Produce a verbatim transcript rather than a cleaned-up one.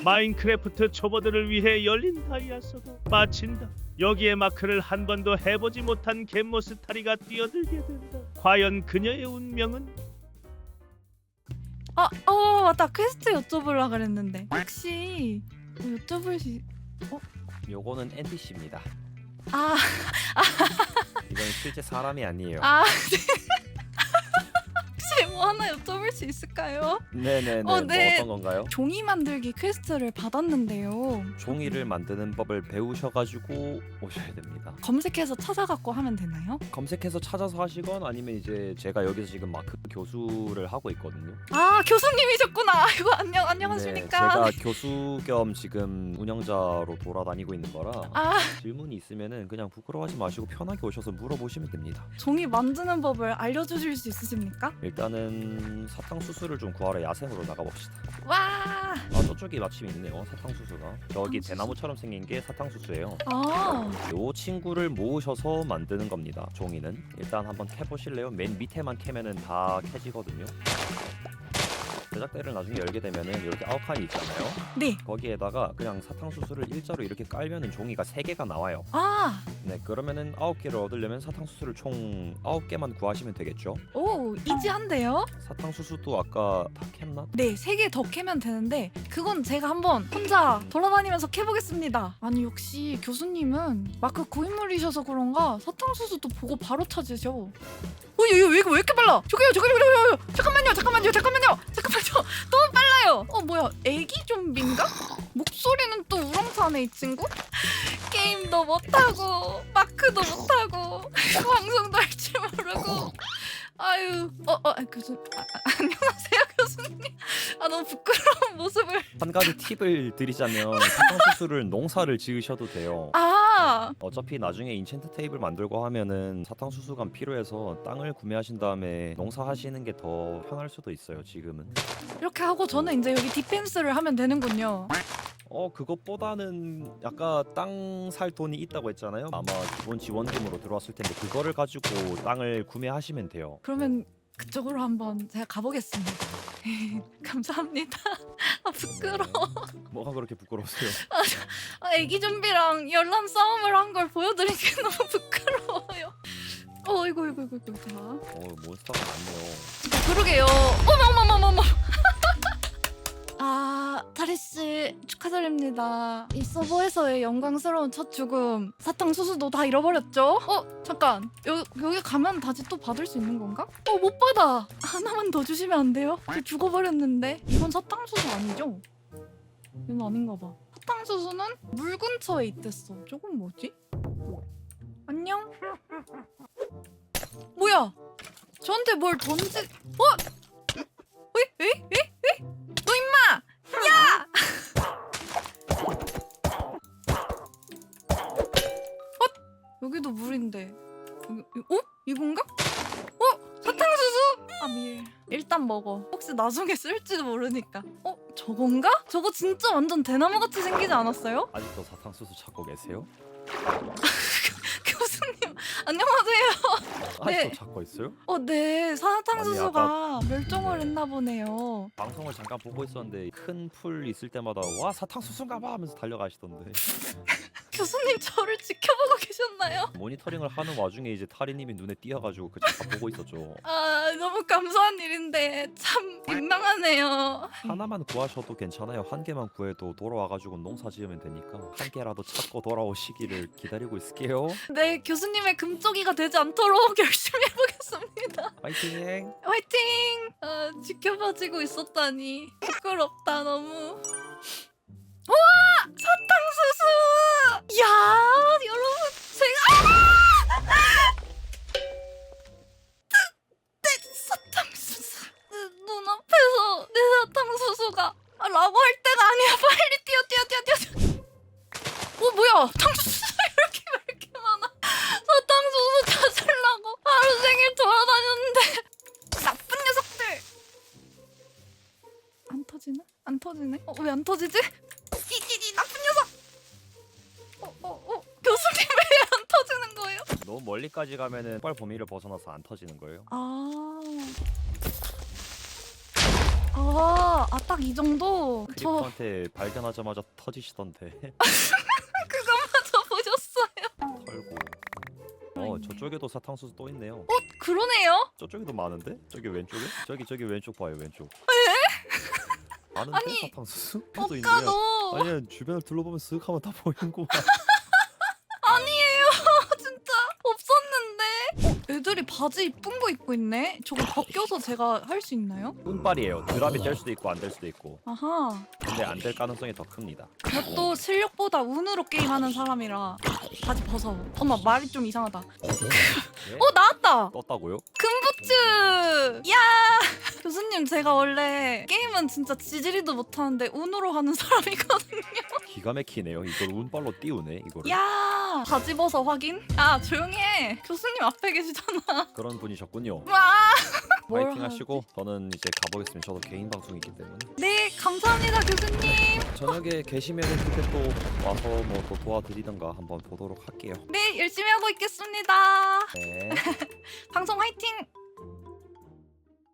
마인크래프트 초보들을 위해 열린 다이아서도 마친다. 여기에 마크를 한 번도 해보지 못한 갯모스타리가 뛰어들게 된다. 과연 그녀의 운명은? 아, 어 맞다. 퀘스트 여쭤보려고 그랬는데 혹시 뭐 여쭤볼 수 있... 요거는 엔피씨입니다. 아, 이건 실제 사람이 아니에요. 아 혹시 뭐 하나 여쭤볼 수 있을까요? 네네네. 어, 네. 뭐 어떤 건가요? 종이 만들기 퀘스트를 받았는데요. 종이를 만드는 법을 배우셔가지고 오셔야 됩니다. 검색해서 찾아갖고 하면 되나요? 검색해서 찾아서 하시건 아니면 이제 제가 여기서 지금 마크 교수를 하고 있거든요. 아 교수님이셨구나. 아이고 안녕 안녕하십니까. 네, 제가 교수 겸 지금 운영자로 돌아다니고 있는 거라 아 질문이 있으면은 그냥 부끄러워하지 마시고 편하게 오셔서 물어보시면 됩니다. 종이 만드는 법을 알려주실 수 있으십니까? 일단은 사탕수수를 좀 구하러 야생으로 나가봅시다. 와. 아 저쪽이 마침 있네요. 사탕수수가 저기 사탕수수? 대나무처럼 생긴 게 사탕수수예요. 아 요 친구를 모으셔서 만드는 겁니다. 종이는 일단 한번 캐보실래요? 맨 밑에만 캐면은 다 캐지거든요. 제작대를 나중에 열게 되면은 이렇게 아홉 칸이 있잖아요. 네. 거기에다가 그냥 사탕수수를 일자로 이렇게 깔면은 종이가 세 개가 나와요. 아. 네, 그러면은 아홉 개를 얻으려면 사탕수수를 총 아홉 개만 구하시면 되겠죠. 오 이지한데요? 사탕수수도 아까 다 캤나? 네, 세 개 더 캐면 되는데 그건 제가 한번 혼자 돌아다니면서 캐보겠습니다. 아니 역시 교수님은 마크 고인물이셔서 그런가 사탕수수도 보고 바로 찾으셔. 어, 얘, 얘, 왜, 왜 이렇게 빨라? 저기요, 저기요, 저기요, 저기요. 잠깐만요, 잠깐만요, 잠깐만요, 잠깐만요. 너무 빨라요. 어, 뭐야, 애기 좀비인가? 목소리는 또 우렁차네 이 친구. 게임도 못하고 마크도 못하고 방송도 할 줄 모르고. 아유, 어, 어, 아, 교수, 아, 아, 안녕하세요, 교수님. 아, 너무 부끄러운 모습을. 한 가지 팁을 드리자면 사탕수수를 농사를 지으셔도 돼요. 아, 어차피 나중에 인챈트 테이블 만들고 하면은 사탕수수가 필요해서 땅을 구매하신 다음에 농사하시는 게 더 편할 수도 있어요. 지금은. 이렇게 하고 저는 이제 여기 디펜스를 하면 되는군요. 어 그것보다는 약간 땅 살 돈이 있다고 했잖아요. 아마 기본 지원금으로 들어왔을 텐데 그거를 가지고 땅을 구매하시면 돼요. 그러면 그쪽으로 한번 제가 가보겠습니다. 감사합니다. 아 부끄러워. 네. 뭐가 그렇게 부끄러우세요? 아, 애기 좀비랑 열람 싸움을 한 걸 보여드리기 너무 부끄러워요. 어 이거 이거 이거 이거 자. 어 몬스터가 많네요. 그러게요. 어머 어머 어머 어머. 아 타리 씨 축하드립니다. 이 서버에서의 영광스러운 첫 죽음. 사탕수수도 다 잃어버렸죠? 어 잠깐 여, 여기 가면 다시 또 받을 수 있는 건가? 어 못 받아. 하나만 더 주시면 안 돼요? 저 죽어버렸는데. 이건 사탕수수 아니죠? 이건 아닌가 봐. 사탕수수는 물 근처에 있댔어. 저건 뭐지? 안녕? 뭐야? 저한테 뭘 던지... 어? 에? 에? 에? 에? 너 임마! 야! 어? 여기도 물인데 여기, 어? 이건가? 어? 사탕수수? 아 밀. 일단 먹어. 혹시 나중에 쓸지도 모르니까. 어? 저건가? 저거 진짜 완전 대나무같이 생기지 않았어요? 아직도 사탕수수 찾고 계세요? 교수님 안녕하세요. 아직도 네. 찾고 있어요? 어, 네. 사탕수수가 아니, 멸종을 네. 했나 보네요. 방송을 잠깐 보고 있었는데 큰 풀 있을 때마다 와 사탕수수인가 봐 하면서 달려가시던데. 교수님 저를 지켜보고 계셨나요? 모니터링을 하는 와중에 이제 타리님이 눈에 띄어가지고 그 잠깐 보고 있었죠. 아, 너무 감사한 일인데 참 민망하네요. 하나만 구하셔도 괜찮아요. 한 개만 구해도 돌아와가지고 농사 지으면 되니까 한 개라도 찾고 돌아오시기를 기다리고 있을게요. 네, 교수님의 금쪽이가 되지 않도록 열심히 해보겠습니다. 파이팅! 화이팅! 아, 지켜봐지고 있었다니 부끄럽다 너무. 우와! 사탕수수! 야 여러분 제가 아! 내 사탕수수 내 눈앞에서 내 사탕수수가 아, 라고 할 때가 아니야. 빨리 뛰어 뛰어 뛰어 뛰어. 어 뭐야 탕수수 이렇게 왜 이렇게 많아. 사탕수수 찾으려고 하루 종일 돌아다녔는데 나쁜 녀석들. 안 터지네? 안 터지네? 어 왜 안 터지지? 이이이 나쁜 녀석! 어어 어, 교수님 왜 안 터지는 거예요? 너무 멀리까지 가면은 뻘 범위를 벗어나서 안 터지는 거예요. 아 아, 아 딱 이 정도? 저 크리퍼한테 발견하자마자 터지시던데. 그거마저 보셨어요? 털고. 어 저쪽에도 사탕수수 또 있네요. 어, 그러네요? 저쪽에도 많은데? 저기 왼쪽에? 저기 저기 왼쪽 봐요 왼쪽. 에? 많은데 아니, 사탕수수? 또 오빠 있네요. 너 아니 주변을 둘러보면 쓱 하면 다 보이는구만. 아니에요. 진짜 없었는데. 어, 애들이 바지 이쁜 거 입고 있네. 저거 벗겨서 제가 할 수 있나요? 운빨이에요. 드랍이 될 수도 있고 안 될 수도 있고. 아하. 근데 안 될 가능성이 더 큽니다. 저또 실력보다 운으로 게임하는 사람이라 바지 벗어. 엄마 말이 좀 이상하다. 네? 어 나왔다. 떴다고요? 금부츠. 야 교수님 제가 원래 게임은 진짜 지지리도 못하는데 운으로 하는 사람이거든요. 기가 막히네요. 이걸 운빨로 띄우네 이거를. 야 바지 벗어 확인. 아 조용히 해. 교수님 앞에 계시잖아. 그런 분이셨군요. 와. 뭘 파이팅 하- 하시고 저는 이제 가보겠습니다. 저도 개인 방송이 있기 때문에. 네 감사합니다 교수님. 저녁에 계시면 그때 또 와서 뭐 또 도와드리던가 한번 보도록 할게요. 네 열심히 하고 있겠습니다. 네. 방송 화이팅.